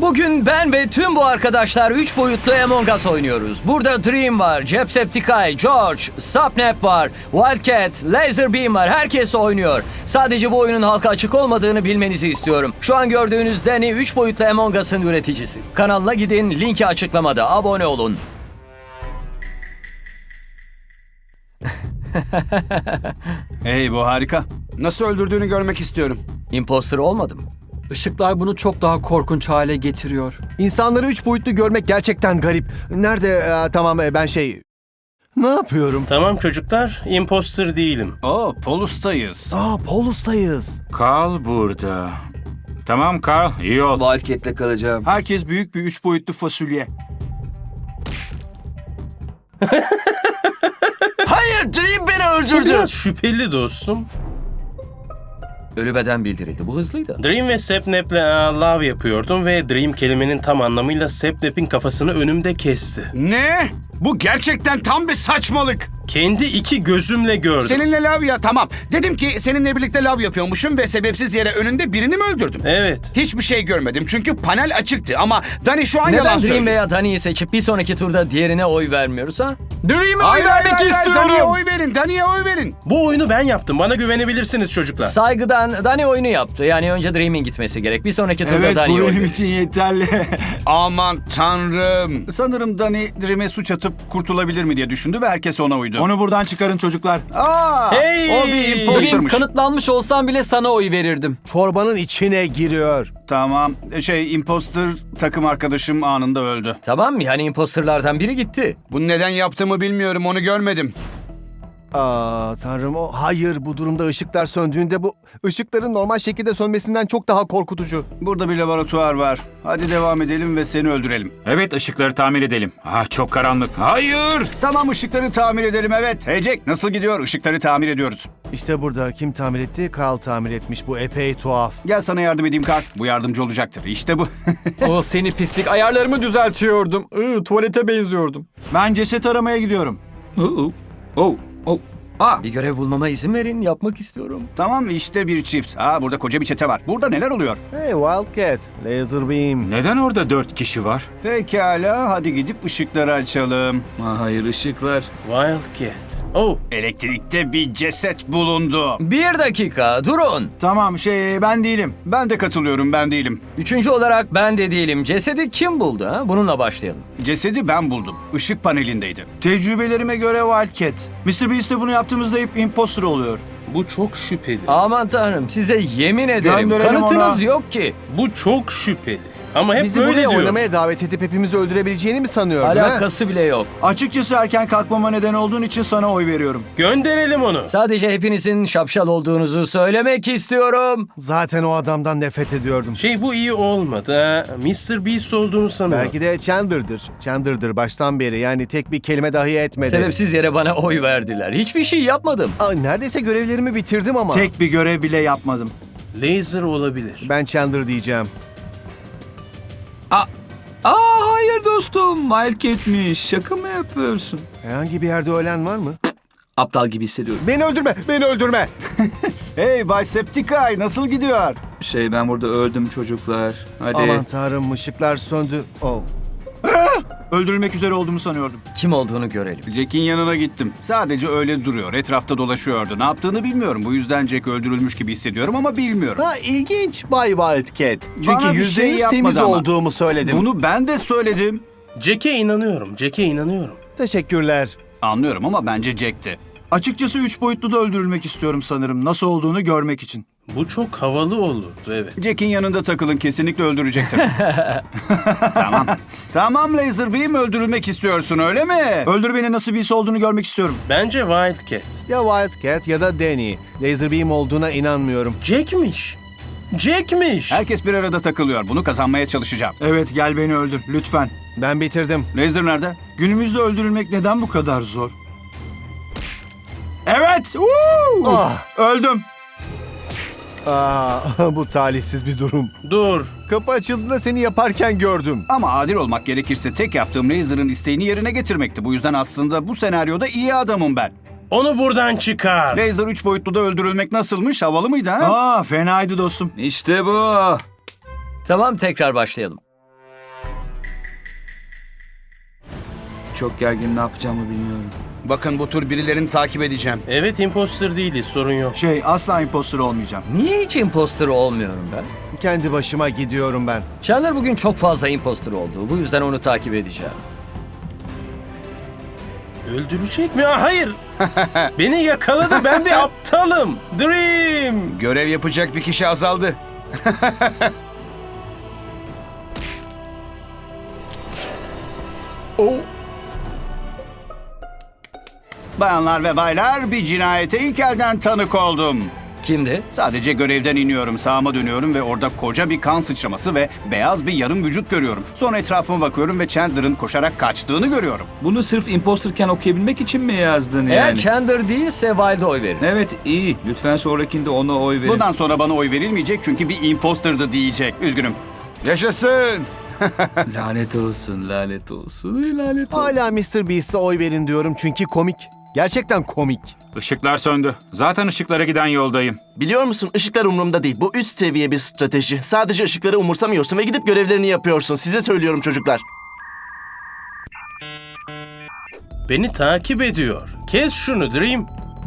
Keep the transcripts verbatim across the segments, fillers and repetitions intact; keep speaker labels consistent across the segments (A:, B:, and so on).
A: Bugün ben ve tüm bu arkadaşlar üç boyutlu Among Us oynuyoruz. Burada Dream var, Jacksepticeye, George, Sapnap var, Wildcat, Laserbeam var. Herkes oynuyor. Sadece bu oyunun halka açık olmadığını bilmenizi istiyorum. Şu an gördüğünüz Danny üç boyutlu Among Us'ın üreticisi. Kanalına gidin, linki açıklamada. Abone olun.
B: Hey, bu harika. Nasıl öldürdüğünü görmek istiyorum.
A: Imposter olmadım.
C: Işıklar bunu çok daha korkunç hale getiriyor.
D: İnsanları üç boyutlu görmek gerçekten garip. Nerede? Ee, tamam e, ben şey... Ne yapıyorum?
E: Tamam çocuklar, imposter değilim.
B: Oo, Polus'tayız.
D: Aa, Polus'tayız.
F: Carl burada. Tamam Carl, iyi ol.
A: Wildcat'le kalacağım.
B: Herkes büyük bir üç boyutlu fasulye.
A: Hayır, Dream beni
E: Bu
A: öldürdü.
E: biraz şüpheli dostum.
A: Ölü beden bildirildi. Bu hızlıydı.
E: Dream ve Sapnap'le aa, love yapıyordum ve Dream kelimenin tam anlamıyla Sapnap'in kafasını önümde kesti.
B: Ne? Bu gerçekten tam bir saçmalık.
E: Kendi iki gözümle gördüm.
B: Seninle lav ya, tamam. Dedim ki seninle birlikte lav yapıyormuşum ve sebepsiz yere önünde birini mi öldürdüm?
E: Evet.
B: Hiçbir şey görmedim çünkü panel açıktı ama Danny şu an yalan
A: Neden Dream
B: söylüyor.
A: veya Danny'yi seçip bir sonraki turda diğerine oy vermiyoruz ha?
B: Dream'e oy vermek istiyorum. Danny'ye oy verin, Danny'ye oy verin.
E: Bu oyunu ben yaptım. Bana güvenebilirsiniz çocuklar.
A: Saygıdan Danny oyunu yaptı. Yani önce Dream'in gitmesi gerek. Bir sonraki turda Danny'ye oy verin.
B: için yeterli. Aman tanrım. Sanırım Danny Dream'e suç atıp kurtulabilir mi diye düşündü ve herkes ona uydu.
G: Onu buradan çıkarın çocuklar.
B: Aa,
E: Hey!
B: o bir
C: Dream,
B: impostermış.
C: kanıtlanmış olsam bile sana oy verirdim.
D: Çorbanın içine giriyor.
B: Tamam, şey imposter takım arkadaşım anında öldü.
A: Tamam mı? Yani imposterlardan biri gitti.
B: Bunu neden yaptığımı bilmiyorum, onu görmedim.
D: Aa, tanrım o. Hayır, bu durumda ışıklar söndüğünde bu ışıkların normal şekilde sönmesinden çok daha korkutucu.
B: Burada bir laboratuvar var. Hadi devam edelim ve seni öldürelim.
F: Evet, ışıkları tamir edelim. Ah, çok karanlık. Hayır!
B: Tamam, ışıkları tamir edelim, evet. Hey Jack, nasıl gidiyor? Işıkları tamir ediyoruz.
D: İşte burada kim tamir etti? Carl tamir etmiş. Bu epey tuhaf.
B: Gel sana yardım edeyim Karl. Bu yardımcı olacaktır. İşte bu.
C: O seni pislik. Ayarlarımı düzeltiyordum. Iı, tuvalete benziyordum.
G: Ben ceset aramaya gidiyorum.
A: Oh, oh, oh. Aa, bir görev bulmama izin verin. Yapmak istiyorum.
B: Tamam, işte bir çift. Aa, burada koca bir çete var. Burada neler oluyor?
D: Hey Wildcat, Laserbeam.
F: Neden orada dört kişi var?
B: Pekala, hadi gidip ışıkları açalım.
A: Hayır, ışıklar.
E: Wildcat. Oh,
B: Elektrikte bir ceset bulundu.
A: Bir dakika, durun.
G: Tamam şey ben değilim.
B: Ben de katılıyorum, ben değilim.
A: Üçüncü olarak ben de değilim. Cesedi kim buldu ha? Bununla başlayalım.
B: Cesedi ben buldum. Işık panelindeydi.
G: Tecrübelerime göre Wildcat. mister Beast'le bunu yaptığımızda hep imposter oluyor.
E: bu çok şüpheli.
A: Aman tanrım, size yemin ederim.
G: Gönderelim
A: Kanıtınız
G: ona.
A: yok ki.
E: Bu çok şüpheli. Ama hep
D: Bizi
E: böyle
D: buraya
E: diyoruz.
D: oynamaya davet edip hepimizi öldürebileceğini mi sanıyordun ha?
A: Alakası bile yok.
G: Açıkçası erken kalkmama neden olduğun için sana oy veriyorum.
E: Gönderelim onu.
A: Sadece hepinizin şapşal olduğunuzu söylemek istiyorum.
D: Zaten o adamdan nefret ediyordum.
E: Şey bu iyi olmadı ha. mister Beast olduğunu sanıyorum.
D: Belki de Chandler'dır. Chandler'dır baştan beri. Yani tek bir kelime dahi etmedi.
A: Sebepsiz yere bana oy verdiler. Hiçbir şey yapmadım.
D: Aa, neredeyse görevlerimi bitirdim ama.
G: Tek bir görev bile yapmadım.
E: Laser olabilir.
D: Ben Chandler diyeceğim.
H: Aa hayır dostum, Wildcat'miş. Şaka mı yapıyorsun?
D: Herhangi bir yerde ölen var mı?
H: Aptal gibi hissediyorum.
D: Beni öldürme, beni öldürme.
B: Hey Bay Septiceye, nasıl gidiyor?
H: Şey ben burada öldüm çocuklar. Hadi.
D: Aman tanrım, ışıklar söndü. Oh.
G: Öldürülmek üzere olduğumu sanıyordum.
A: Kim olduğunu görelim.
B: Jack'in yanına gittim. Sadece öyle duruyor. Etrafta dolaşıyordu. Ne yaptığını bilmiyorum. Bu yüzden Jack öldürülmüş gibi hissediyorum ama bilmiyorum.
D: Ha ilginç Bay Wildcat. Çünkü
B: Bana bir
D: yüzde
B: şey
D: yüz
B: yapmadı
D: temiz
B: ama.
D: olduğumu söyledim.
B: Bunu ben de söyledim.
E: Jack'e inanıyorum. Jack'e inanıyorum.
D: Teşekkürler.
B: Anlıyorum ama bence Jack'ti.
G: Açıkçası üç boyutlu da öldürülmek istiyorum sanırım. Nasıl olduğunu görmek için.
E: Bu çok havalı olurdu evet.
B: Jack'in yanında takılın. Kesinlikle öldürecektir. Tamam. Tamam Laserbeam, öldürülmek istiyorsun öyle mi?
G: Öldür beni, nasıl birisi olduğunu görmek istiyorum.
E: Bence Wildcat.
D: Ya Wildcat ya da Danny. Laserbeam olduğuna inanmıyorum.
E: Jack'miş. Jack'miş.
B: Herkes bir arada takılıyor. Bunu kazanmaya çalışacağım.
G: Evet gel beni öldür lütfen.
D: Ben bitirdim.
B: Laser nerede?
G: Günümüzde öldürülmek neden bu kadar zor? Evet! Woo!
D: Ah,
G: Öldüm.
D: aa, bu talihsiz bir durum.
E: Dur.
D: Kapı açıldığında seni yaparken gördüm.
B: Ama adil olmak gerekirse tek yaptığım Laser'ın isteğini yerine getirmekti. Bu yüzden aslında bu senaryoda iyi adamım ben.
E: Onu buradan çıkar.
B: Laser üç boyutlu da öldürülmek nasılmış? Havalı mıydı ha?
G: Aa fenaydı dostum.
H: İşte bu.
A: Tamam, tekrar başlayalım.
H: çok gergin, ne yapacağımı bilmiyorum.
B: Bakın bu tur birilerini takip edeceğim.
E: Evet, imposter değiliz, sorun yok.
G: Şey, asla imposter olmayacağım.
A: Niye hiç imposter olmuyorum ben?
D: Kendi başıma gidiyorum ben.
A: Chandler bugün çok fazla imposter oldu. Bu yüzden onu takip edeceğim.
E: Öldürecek mi? Aa, hayır. Beni yakaladı, ben bir aptalım. Dream.
B: Görev yapacak bir kişi azaldı.
C: Oh.
B: Bayanlar ve baylar, bir cinayete ilk elden tanık oldum.
A: Kimdi?
B: Sadece görevden iniyorum, sağıma dönüyorum ve orada koca bir kan sıçraması ve beyaz bir yarım vücut görüyorum. Sonra etrafıma bakıyorum ve Chandler'ın koşarak kaçtığını görüyorum.
H: Bunu sırf imposterken okuyabilmek için mi yazdın
A: Eğer
H: yani?
A: Chandler değilse Wilde'a oy verin.
H: Evet, iyi. Lütfen sonrakinde ona oy verin.
B: Bundan sonra bana oy verilmeyecek çünkü bir imposterdı diyecek. Üzgünüm. Yaşasın!
H: Lanet olsun, lanet olsun, lanet olsun.
D: Hala mister Beast'e oy verin diyorum çünkü komik. Gerçekten komik.
F: Işıklar söndü. Zaten ışıklara giden yoldayım.
I: Biliyor musun, ışıklar umurumda değil. Bu üst seviye bir strateji. Sadece ışıkları umursamıyorsun ve gidip görevlerini yapıyorsun. Size söylüyorum çocuklar.
E: Beni takip ediyor. Kes şunu Dream.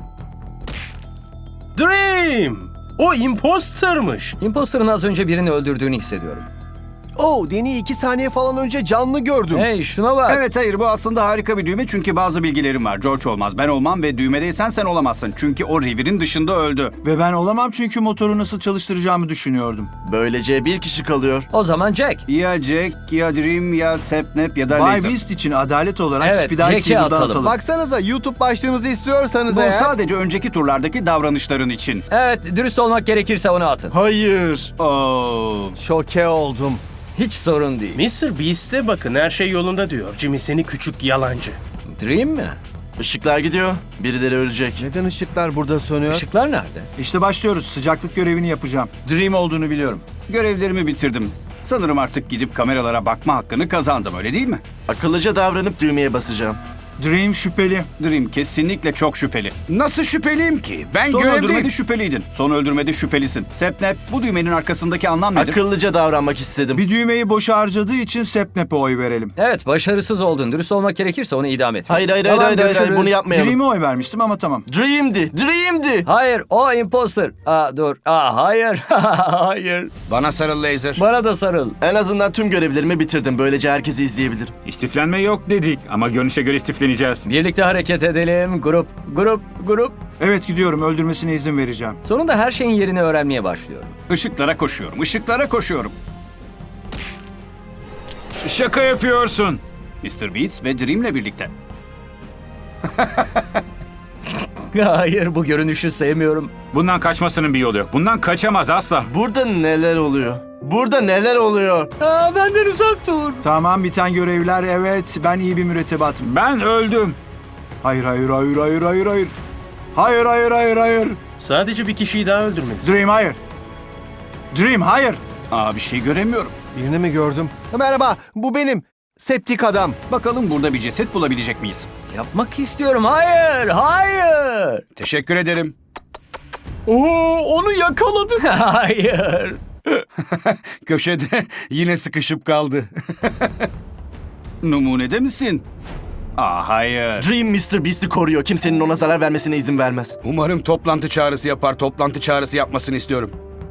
E: Dream! O impostermış.
A: Imposter'ın az önce birini öldürdüğünü hissediyorum.
D: Oh, Danny'i iki saniye falan önce canlı gördüm.
A: Hey şuna bak.
B: Evet hayır bu aslında harika bir düğme çünkü bazı bilgilerim var. George olmaz, ben olmam ve düğmedeysen sen olamazsın. Çünkü o revirin dışında öldü.
G: Ve ben olamam çünkü motoru nasıl çalıştıracağımı düşünüyordum.
I: Böylece bir kişi kalıyor.
A: O zaman Jack.
B: Ya Jack, ya Dream, ya Sapnap ya da
G: Bay
B: Laser.
G: Beast için adalet olarak
A: Evet,
G: Spider
A: Jack'i
G: Silver'dan
A: atalım.
G: atalım.
D: Baksanıza, YouTube başlığımızı istiyorsanız
B: Bu
D: eğer...
B: sadece önceki turlardaki davranışların için.
A: Evet, dürüst olmak gerekirse onu atın.
I: Hayır.
B: Oo.
D: Şoke oldum.
A: Hiç sorun değil.
E: mister Beast'e bakın, her şey yolunda diyor. Jimmy seni küçük yalancı.
A: Dream mi?
I: Işıklar gidiyor. Birileri ölecek.
D: Neden ışıklar burada sönüyor?
A: Işıklar nerede?
G: İşte başlıyoruz. Sıcaklık görevini yapacağım. Dream olduğunu biliyorum.
B: Görevlerimi bitirdim. Sanırım artık gidip kameralara bakma hakkını kazandım, öyle değil mi?
I: Akıllıca davranıp düğmeye basacağım.
G: Dream şüpheli.
B: Dream kesinlikle çok şüpheli. Nasıl şüpheliyim ki? Ben
G: Son
B: görevdeyim.
G: öldürmede
B: şüpheliydin. Son öldürmede şüphelisin. Sapnap, bu düğmenin arkasındaki anlam nedir?
I: Akıllıca davranmak istedim.
G: Bir düğmeyi boşa harcadığı için Sapnap'e oy verelim.
A: Evet, başarısız oldun. Dürüst olmak gerekirse onu idam et.
I: Hayır hayır
A: Tamam,
I: hayır hayır, hayır,
A: görüşürüz.
I: bunu yapmayalım.
G: Dream'e oy vermiştim ama tamam.
I: Dream'di. Dream'di.
A: Hayır, o imposter. Aa dur. Aa hayır. Hayır.
B: Bana sarıl Laser.
A: Bana da sarıl.
I: En azından tüm görevlerimi bitirdim. Böylece herkesi izleyebilirim.
F: İstiflenme yok dedik ama görünüşe göre istifleneceğiz.
A: Birlikte hareket edelim. Grup, grup, grup.
G: Evet gidiyorum. Öldürmesine izin vereceğim.
A: Sonunda her şeyin yerini öğrenmeye başlıyorum.
B: Işıklara koşuyorum. Işıklara koşuyorum.
F: Şaka yapıyorsun.
B: mister Beats ve Dream'le birlikte.
A: Hayır, bu görünüşü sevmiyorum.
F: Bundan kaçmasının bir yolu yok. Bundan kaçamaz asla.
I: Burada neler oluyor? Burada neler oluyor?
A: Aa, benden uzak dur.
G: Tamam, biten görevler. Evet, ben iyi bir mürettebatım.
F: Ben öldüm.
G: Hayır, hayır, hayır, hayır, hayır, hayır. Hayır, hayır, hayır, hayır.
E: Sadece bir kişiyi daha öldürmelisin.
G: Dream, hayır. Dream, hayır.
B: Aa, bir şey göremiyorum.
D: Birini mi gördüm? Merhaba, bu benim. Septik adam.
B: Bakalım burada bir ceset bulabilecek miyiz?
A: Yapmak istiyorum. Hayır, hayır.
B: Teşekkür ederim.
C: Oo, onu yakaladım.
A: Hayır.
B: Köşede yine sıkışıp kaldı. Numunede misin? Aa, hayır.
I: Dream mister Beast'i koruyor. Kimsenin ona zarar vermesine izin vermez.
B: Umarım toplantı çağrısı yapar. Toplantı çağrısı yapmasını istiyorum.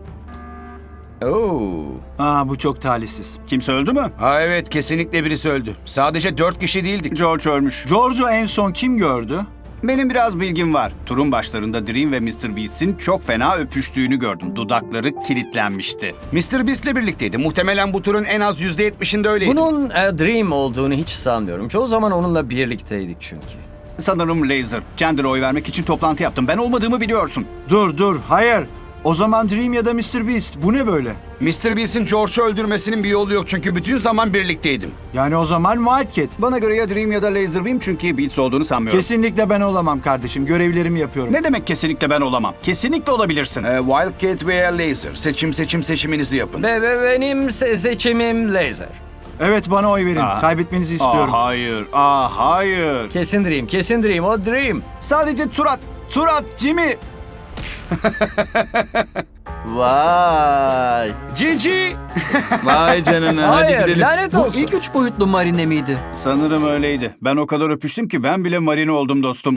A: Oo.
G: Aa, bu çok talihsiz.
B: Kimse öldü mü? Ha evet, kesinlikle birisi öldü. Sadece dört kişi değildik. George ölmüş.
G: George'u en son kim gördü?
B: Benim biraz bilgim var. Turun başlarında Dream ve mister Beast'in çok fena öpüştüğünü gördüm. Dudakları kilitlenmişti. mister Beast'le birlikteydi. Muhtemelen bu turun en az yüzde yetmişinde öyleydi.
A: Bunun e, Dream olduğunu hiç sanmıyorum. Çoğu zaman onunla birlikteydik çünkü.
B: Sanırım Laser. Chandler'a oy vermek için toplantı yaptım. Ben olmadığımı biliyorsun.
G: Dur, dur, hayır. O zaman Dream ya da mister Beast. Bu ne böyle?
B: mister Beast'in George'u öldürmesinin bir yolu yok çünkü bütün zaman birlikteydim.
G: Yani o zaman Wildcat.
B: Bana göre ya Dream ya da Laser Beam çünkü Beats olduğunu sanmıyorum.
G: Kesinlikle ben olamam kardeşim. Görevlerimi yapıyorum.
B: Ne demek kesinlikle ben olamam? Kesinlikle olabilirsin.
J: Ee, Wildcat veya Laser. Seçim seçim seçiminizi yapın.
A: Ve, ve benim se- seçimim Laser.
G: Evet, bana oy verin.
B: Aa.
G: Kaybetmenizi istiyorum.
B: Aa, hayır. Aa, hayır.
A: Kesin Dream, kesin Dream. O Dream.
B: Sadece tur at. Tur at Jimmy.
I: Vay.
B: Cici!
H: Vay canına hadi
A: Hayır,
H: gidelim.
A: lanet
H: Bu
A: olsun.
H: ilk üç boyutlu marine miydi?
B: Sanırım öyleydi. Ben o kadar öpüştüm ki ben bile marine oldum dostum.